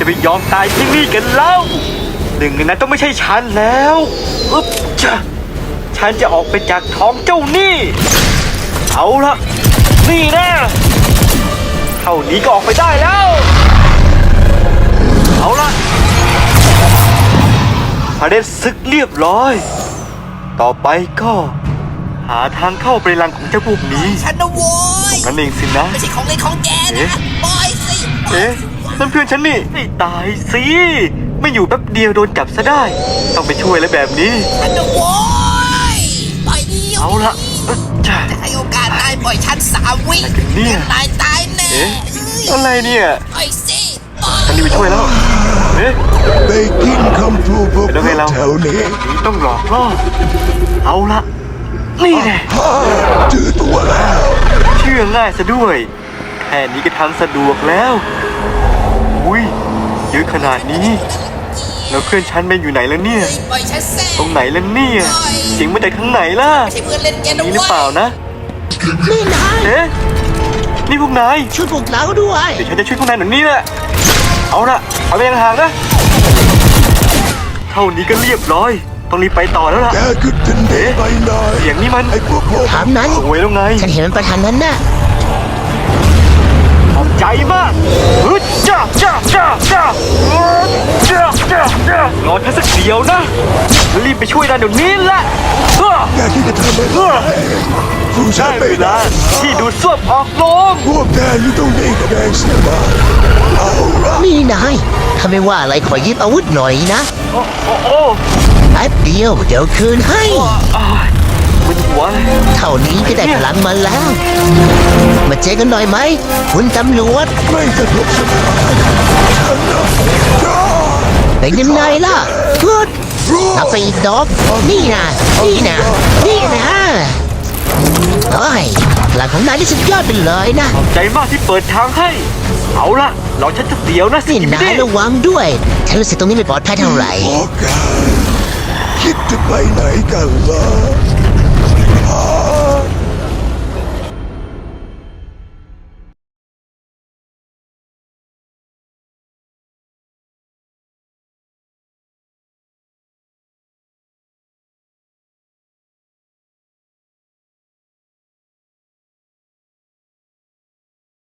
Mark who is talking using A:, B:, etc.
A: จะไม่ยอมตายที่นี่กันเล่าหนึ่งในนั้นต้องไม่ใช่ฉันแล้วอึ๊บจ้ะฉันจะออกไปจากท้องเจ้านี่เอาละนี่นะเท่านี้ก็ออกไปได้แล้วเอาละพระเดชศึกเรียบร้อยต่อไปก็หาทางเข้าไปรังของเจ้าพวกนี้
B: ฉันนะโว้ย
A: นั่นเองสินะ
B: ไม่ใช่ของเล่นของแกนะปล่อยสิ
A: เอ๊ะนั่นเพื่อนฉันนี่ให้ตายสิไม่อยู่แป๊บเดียวโดนจับซะได้ต้องไปช่วยแล้วแบบนี้
B: ฉันนะโว้ยปล่อยดิ
A: เอาละจ้า
B: แต่ให้โอกาสนายปล่อยฉัน3 วินายตายแน่
A: เอ๊ะอะไรเนี่ย
B: ปล่อยสิ
A: ฉันนี่ไปช่วยแล้วเอ๊ะ
C: ไปกินคำพูดพวก
A: แล้วไงเรา
C: แถวนี้
A: นี่ต้องหลอกล่อเอาละนี่แหละ
C: เจอตัวแล้ว
A: เชื่อง่ายซะด้วยแค่นี้ก็ทำสะดวกแล้วอุ้ยเยอะขนาดนี้แล้วเพื่อนฉันไปอยู่ไหนแล้วเนี่ย
B: ปล่อยฉันแซ่
A: ตรงไหนแล้วเนี่ยเสียงมาจากทางไหนล่ะ
B: ไม่ใช่เพื่อนเล่นแกนะ
A: นี่ห
B: โว้
A: รือเปล่าย นะ
D: นี่นาย
A: เอ๊ะนี่พวกนาย
D: ช่วยพวกเราด้วย
A: เดี๋ยวฉันจะช่วยพวกนายหน่อยนี่แหละเอาละเอาไปห่างๆนะเท่านี้ก็เรียบร้อยต้องรีบไปต่อแล้วล่ะ
C: แกก็จะหนีไปไหน
A: เสียงนี้มัน
C: ไอ้พวกพวก
D: ถามนั้น
A: โวยแล้วไง
D: ฉันเห็นมันประทานนั้นน่ะ
A: ขอบใจมากฮึดจ้าจ้าจ้าจ้าจ้าจ้าจ้ารอฉันสักเดียวนะรีบไปช่วยนายเดี๋ยวนี้แหละ
C: แกคิดจะทำอะไรผู้ชา
A: ได้
C: ย
A: เว
C: ไม่
A: ลา
C: ได้
A: ที่ดูดซ่วมออกโลง
C: พวกแกอยู่ตรงนี้แสดงเสียมาเอาละ
D: นี่นายถ้าไม่ว่าอะไรขอยึดอาวุธหน่อยนะ
A: โอ้โอ้โอ้
D: แป๊บเดียวเดี๋ยวคืนให้
A: อ้ายมึนหัวเลย
D: เท่านี้ก็ได้พลังมาแล้ว มาเจอกันหน่อยไหมคุณตำรวจ
C: ไม่สะทกสะท้านฉันนะจ้า
D: เป็นยังไงล่ะพูดนับไปอีกดอกนี่นะนี่นะนี่นะเฮ้ยพลังของนายที่สุดยอดไปเลยนะ
A: ขอบใจมากที่เปิดทางให้ เอาล่ะรอฉันจะเดียวนะสิ
D: นี่นายระวังด้วยฉันรู้สึกตรงนี้ไม่ปลอดภัยเท่าไหร่
C: พวกแกคิดจะไปไหนกันล่ะ